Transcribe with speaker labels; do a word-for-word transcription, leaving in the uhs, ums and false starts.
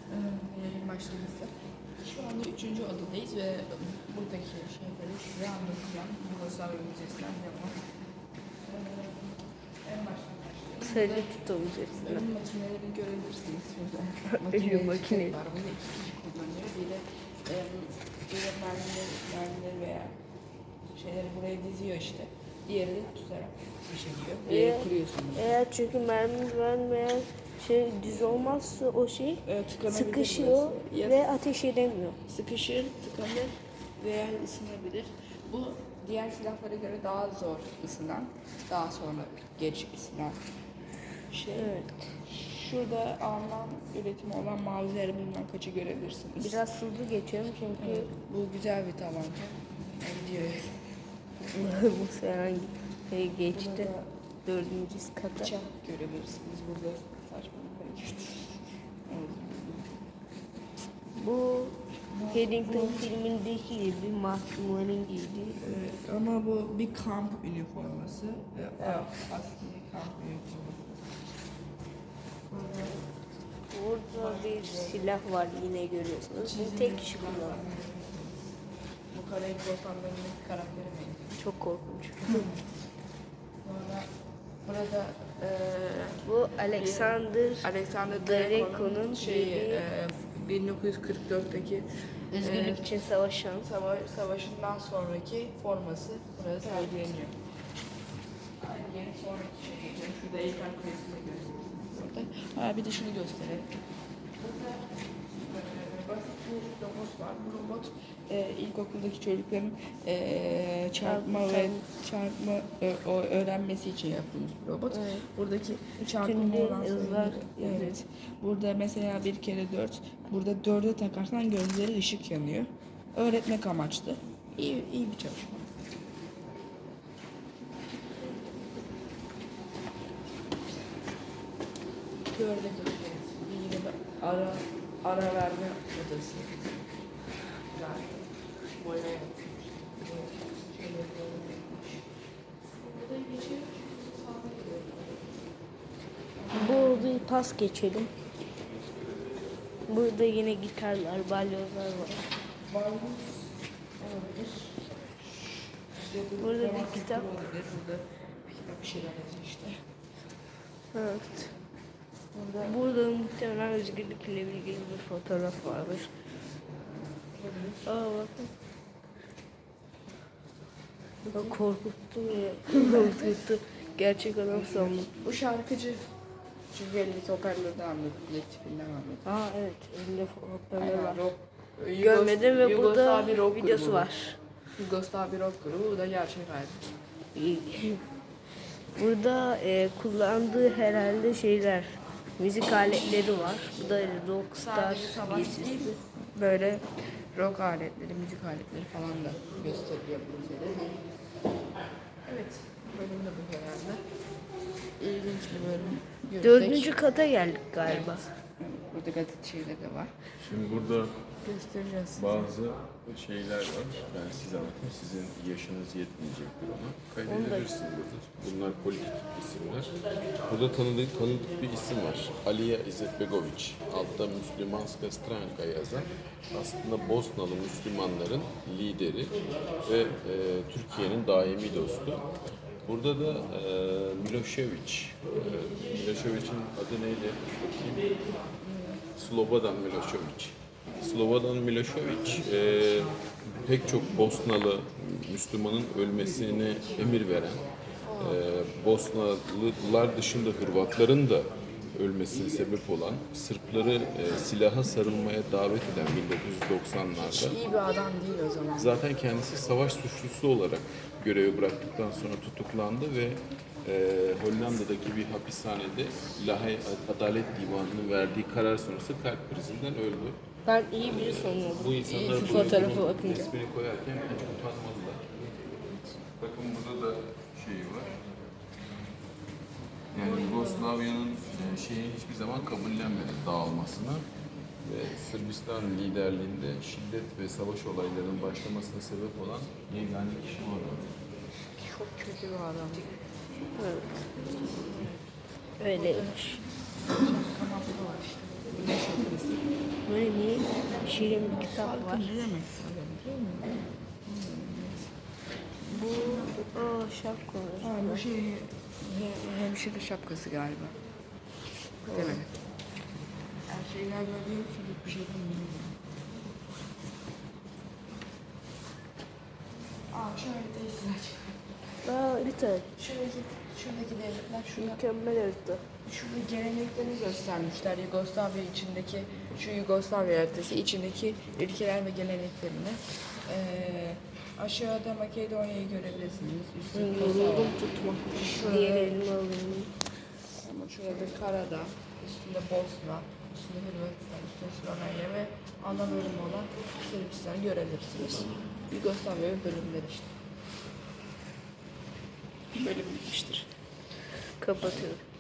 Speaker 1: Yayın başlamıştı. Şu anda üçüncü odadayız ve buradaki şeyleri size anlatacağım. Yugoslavya Müzesi'nden devam. Ee, en baştan başlayalım.
Speaker 2: Sadece tutabileceksin.
Speaker 1: Ölüm makinelerini görebilirsiniz şurada.
Speaker 2: Ölüm makine.
Speaker 1: var. Bunu iki kişi kullanıyor. Bir de e, bir de mermileri, mermileri veya şeyleri buraya diziyor işte. Diğeri de tutarak düşürüyor. Bir yere
Speaker 2: Eğer,
Speaker 1: kuruyorsunuz.
Speaker 2: eğer çünkü mermi vermeyen şey düz olmazsa o şey
Speaker 1: Evet, tıkanabilir
Speaker 2: sıkışıyor
Speaker 1: burası. Ya
Speaker 2: ve ateş edemiyor.
Speaker 1: sıkışır, tıkanır veya ısınabilir. Bu diğer silahlara göre daha zor ısınan, daha sonra geç ısınan şey.
Speaker 2: Evet.
Speaker 1: Şurada Alman üretimi olan mavileri bilmem kaçı görebilirsiniz.
Speaker 2: Biraz hızlı geçiyorum çünkü
Speaker 1: Evet, bu güzel bir tabanca. Gidiyor.
Speaker 2: bu sefer şey geçti.
Speaker 1: Burada
Speaker 2: Dördüncü kata.
Speaker 1: bıçak görebilirsiniz. Burada saçma bir şey. Evet.
Speaker 2: Bu Paddington filmindeki gibi mahkumların giydiği.
Speaker 1: Evet, ama bu bir kamp üniforması. Evet. Askeri kamp üniforması.
Speaker 2: Burada bir silah var yine görüyorsunuz. Bu tek kişi kullanıyor.
Speaker 1: Bu Karayip Korsanları'ndaki karakteri benim.
Speaker 2: Çok korkunç.
Speaker 1: Sonra burada eee
Speaker 2: Bu Alexander
Speaker 1: Alexander
Speaker 2: Draco'nun
Speaker 1: Draco'nun şeyi
Speaker 2: dediği-
Speaker 1: eee bin dokuz yüz kırk dörtteki
Speaker 2: özgürlük
Speaker 1: eee,
Speaker 2: için savaşan.
Speaker 1: sava savaşından sonraki forması burada sergileniyor. Aynı yeni sonraki şey geçelim. Şurada Eyfel Kulesi'ni görüyoruz orada. Ha, bir de şunu gösterelim. Burada eee, basit bir robot var. Bu robot eee, ilkokuldaki çocukların eee, çarpma ve çarpma e, o öğrenmesi için yapılmış bir robot.
Speaker 2: Evet.
Speaker 1: Buradaki çarpma
Speaker 2: Üstünde
Speaker 1: oran
Speaker 2: yazılar
Speaker 1: sayıları- evet. Burada mesela bir kere dört. Burada dörde takarsan gözleri ışık yanıyor. Öğretmek amaçlı. İyi, iyi bir çalışma. Dörde göreceğiz. Bir yine de ara, ara verme odası. Yani boya yapmış. Şöyle boya yapmış. Burada geçiyor. Sağda gidiyor.
Speaker 2: Bu odayı pas geçelim. Burada yine gitarlar, balyozlar var.
Speaker 1: Balmuz olabilir. İşte
Speaker 2: Burada bir
Speaker 1: romantik
Speaker 2: kitap.
Speaker 1: olabilir. Burada bir kitap bir şeyler yazıyor işte.
Speaker 2: Evet.
Speaker 1: Burada
Speaker 2: Burada muhtemelen özgürlükle ilgili bir fotoğraf vardır.
Speaker 1: olabilir.
Speaker 2: Aa bakın. O korkuttu ya. Korkuttu. Gerçek adam sandım.
Speaker 1: Bu şarkıcı. Çünkü elindeki hoparlörden anladım. Kolektifinden anladım.
Speaker 2: Aa evet. Elinde hoparlör
Speaker 1: Aynen,
Speaker 2: var.
Speaker 1: rock. Yugos-
Speaker 2: Görmedim ve burada
Speaker 1: Yugoslav bir rock
Speaker 2: videosu
Speaker 1: grubu.
Speaker 2: var.
Speaker 1: Yugoslav bir rock grubu. Bu da gerçek hali.
Speaker 2: Burada e, kullandığı herhalde şeyler, müzik aletleri var. Bu da Rockstar
Speaker 1: Sadece savaş
Speaker 2: giysisi.
Speaker 1: değil, böyle rock aletleri, müzik aletleri falan da gösteriyor bize. Evet, bölüm de bu herhalde. İlginç bir bölüm. Görsek.
Speaker 2: Dördüncü kata geldik galiba.
Speaker 1: Evet, burada gazete şeyleri de var.
Speaker 3: Şimdi burada
Speaker 1: Göstereceğiz size.
Speaker 3: bazı şeyler var. Ben size anlatayım. Sizin yaşınız yetmeyecektir ona. Kaydedebilirsiniz burada. Bunlar politik isimler. Burada tanıdık, tanıdık bir isim var. Alija Izetbegović. Altta Müslümanska Stranka yazan. Aslında Bosnalı Müslümanların lideri ve e, Türkiye'nin daimi dostu. Burada da e, Milošević. E, Milošević'in adı neydi? Bakayım. Slobodan Milošević. Slobodan Milošević e, pek çok Bosnalı Müslümanın ölmesine emir veren, e, Bosnalılar dışında Hırvatların da ölmesine sebep olan, Sırpları e, silaha sarılmaya davet eden bin dokuz yüz doksanlarda.
Speaker 1: İyi bir adam değil o zaman.
Speaker 3: Zaten kendisi savaş suçlusu olarak görevi bıraktıktan sonra tutuklandı ve e, Hollanda'daki bir hapishanede Lahey Adalet Divanı'nın verdiği karar sonrası kalp krizinden öldü.
Speaker 2: Ben iyi biri sanıyordum.
Speaker 3: Bu insanlar
Speaker 2: Şu
Speaker 3: bu
Speaker 2: fotoğrafa
Speaker 3: bunun
Speaker 2: bakınca.
Speaker 3: resmini koyarken hiç utanmadılar. Bakın burada da şeyi var. Yani Yugoslavya'nın e, şeyi hiçbir zaman kabullenmedi dağılmasını ve Sırbistan liderliğinde şiddet ve savaş olaylarının başlamasına sebep olan yegane kişi var.
Speaker 1: Çok kötü bir adam.
Speaker 2: Evet. Öyleymiş.
Speaker 1: Kanatlı var işte. Güneş ötesi.
Speaker 2: şirin bir kitap var.
Speaker 1: Halkın ne demek istiyorum değil mi?
Speaker 2: Bu aa, şapkalar.
Speaker 1: Ha, bu şey he- hemşire şapkası galiba. Değil mi? Her şey galiba diyor ki bir şey bilmiyorum. Aa şöyle teyze açık.
Speaker 2: Aa harita.
Speaker 1: Şuradaki, şuradaki devletler şurada,
Speaker 2: Mükemmel harita.
Speaker 1: şurada geleneklerini göstermişler. Yugoslavya içindeki, şu Yugoslavya haritası içindeki ülkeler ve geleneklerini. Ee, aşağıda Makedonya'yı görebilirsiniz. Üstte Kosova.
Speaker 2: Yorum tutma.
Speaker 1: Şurada-
Speaker 2: Diğer elini alayım.
Speaker 1: Ama şurada Karadağ, üstünde Bosna, üstünde Hırvatistan, üstünde Slovenya ve ana bölüm olan Sırbistan'ı görebilirsiniz. Yugoslavya ve bölümler işte. Bölüm bitmiştir.
Speaker 2: Kapatıyorum.